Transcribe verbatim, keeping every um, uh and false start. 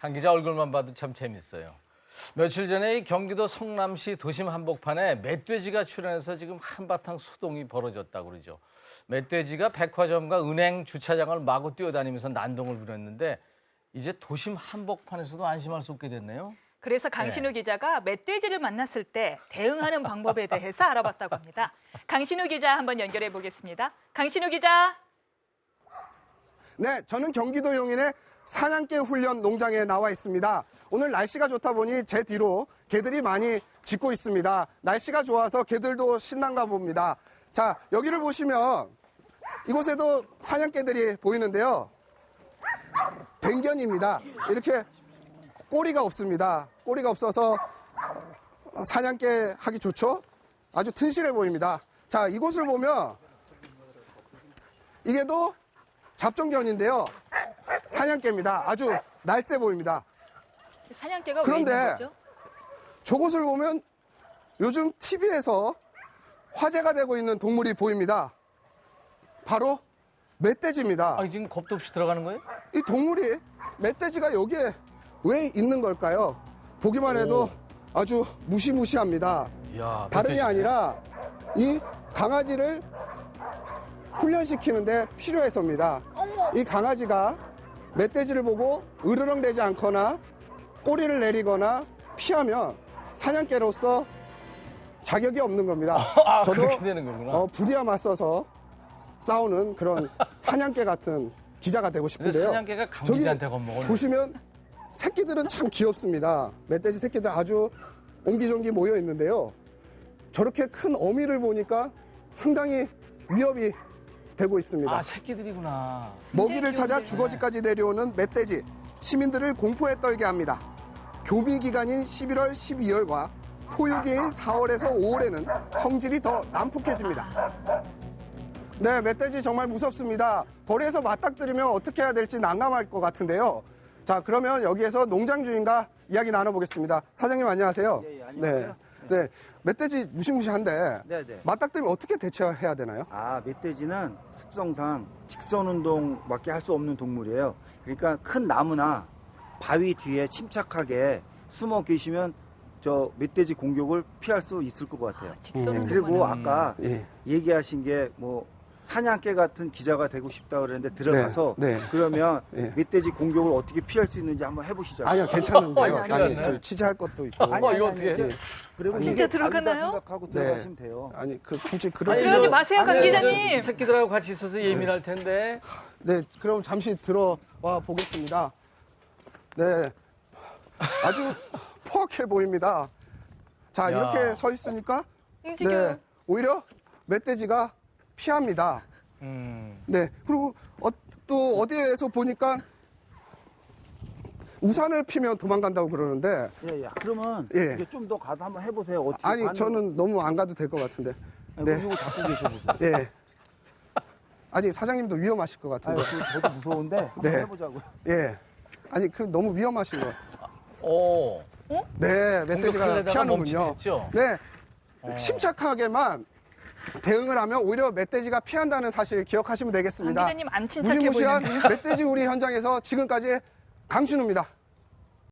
한 기자 얼굴만 봐도 참 재밌어요. 며칠 전에 이 경기도 성남시 도심 한복판에 멧돼지가 출현해서 지금 한바탕 소동이 벌어졌다고 그러죠. 멧돼지가 백화점과 은행 주차장을 마구 뛰어다니면서 난동을 부렸는데 이제 도심 한복판에서도 안심할 수 없게 됐네요. 그래서 강신우 네. 기자가 멧돼지를 만났을 때 대응하는 방법에 대해서 알아봤다고 합니다. 강신우 기자 한번 연결해 보겠습니다. 강신우 기자. 네, 저는 경기도 용인의 사냥개 훈련 농장에 나와 있습니다. 오늘 날씨가 좋다 보니 제 뒤로 개들이 많이 짖고 있습니다. 날씨가 좋아서 개들도 신난가 봅니다. 자, 여기를 보시면 이곳에도 사냥개들이 보이는데요. 댕견입니다. 이렇게 꼬리가 없습니다. 꼬리가 없어서 사냥개 하기 좋죠? 아주 튼실해 보입니다. 자, 이곳을 보면 이게 또 잡종견인데요. 사냥개입니다. 아주 날쌔 보입니다. 사냥개가 왜 그런데 있는 거죠? 저곳을 보면 요즘 티비에서 화제가 되고 있는 동물이 보입니다. 바로 멧돼지입니다. 아, 지금 겁도 없이 들어가는 거예요? 이 동물이 멧돼지가 여기에 왜 있는 걸까요? 보기만 해도 오. 아주 무시무시합니다. 이야, 다름이 멧돼지네. 아니라 이 강아지를 훈련시키는데 필요해서입니다. 어머. 이 강아지가 멧돼지를 보고 으르렁대지 않거나 꼬리를 내리거나 피하면 사냥개로서 자격이 없는 겁니다. 아, 저도 그렇게 되는 거구나. 어, 불이와 맞서서 싸우는 그런 사냥개 같은 기자가 되고 근데 싶은데요. 사냥개가 강기자한테 저기 겁먹었네. 보시면 새끼들은 참 귀엽습니다. 멧돼지 새끼들 아주 옹기종기 모여 있는데요. 저렇게 큰 어미를 보니까 상당히 위협이 되고 있습니다. 아, 새끼들이구나. 먹이를 찾아 귀여운데. 주거지까지 내려오는 멧돼지, 시민들을 공포에 떨게 합니다. 교미 기간인 십일월, 십이월과 포유기인 사월에서 오월에는 성질이 더 난폭해집니다. 네, 멧돼지 정말 무섭습니다. 거리에서 맞닥뜨리면 어떻게 해야 될지 난감할 것 같은데요. 자, 그러면 여기에서 농장 주인과 이야기 나눠보겠습니다. 사장님 안녕하세요. 예, 예, 안녕하세요. 네, 네, 멧돼지 무시무시한데 네, 네. 맞닥뜨리면 어떻게 대처해야 되나요? 아, 멧돼지는 습성상 직선 운동밖에 할 수 없는 동물이에요. 그러니까 큰 나무나 바위 뒤에 침착하게 숨어 계시면 저 멧돼지 공격을 피할 수 있을 것 같아요. 아, 직선 네, 그리고 운동만. 아까 예. 얘기하신 게 뭐 사냥개 같은 기자가 되고 싶다 그랬는데 들어가서 네, 네. 그러면 예. мет돼지 공격을 어떻게 피할 수 있는지 한번 해보시죠. 아니요, 괜찮은데요. 아니, 아니, 아니, 저 취재할 것도 있고. 아니, 어, 이거 어떻게 해? 예. 그리고 진짜 이게 들어가나요? 바위다 생각하고 네. 들어가시면 돼요. 아니, 그 굳이 그런. 아니, 그러지 저- 마세요, 강 아니, 기자님. 저 새끼들하고 같이 있어서 예민할 텐데. 네, 그럼 잠시 들어와 보겠습니다. 네, 아주 포악해 보입니다. 자, 야. 이렇게 서 있으니까 움직여요. 네, 오히려 멧돼지가 피합니다. 음. 네, 그리고 어, 또 어디에서 보니까 우산을 피면 도망간다고 그러는데 예, 예. 그러면 예. 이게 좀 더 가서 한번 해보세요. 어떻게 아니 반응- 저는 너무 안 가도 될 것 같은데. 네. 네, 이거 잡고 계셔보세요. 예. 아니 사장님도 위험하실 것 아니, 같은데. 지금 저도 무서운데 한번 네. 해보자고요. 예. 아니 그 너무 위험하신 거. 오. 네, 멧돼지가 공격하려다가 피하는군요. 멈칫했죠? 네, 어. 침착하게만 대응을 하면 오히려 멧돼지가 피한다는 사실 기억하시면 강 되겠습니다. 기자님 안 침착해 무시무시한 보이는데요. 멧돼지 우리 현장에서 지금까지 강신우입니다.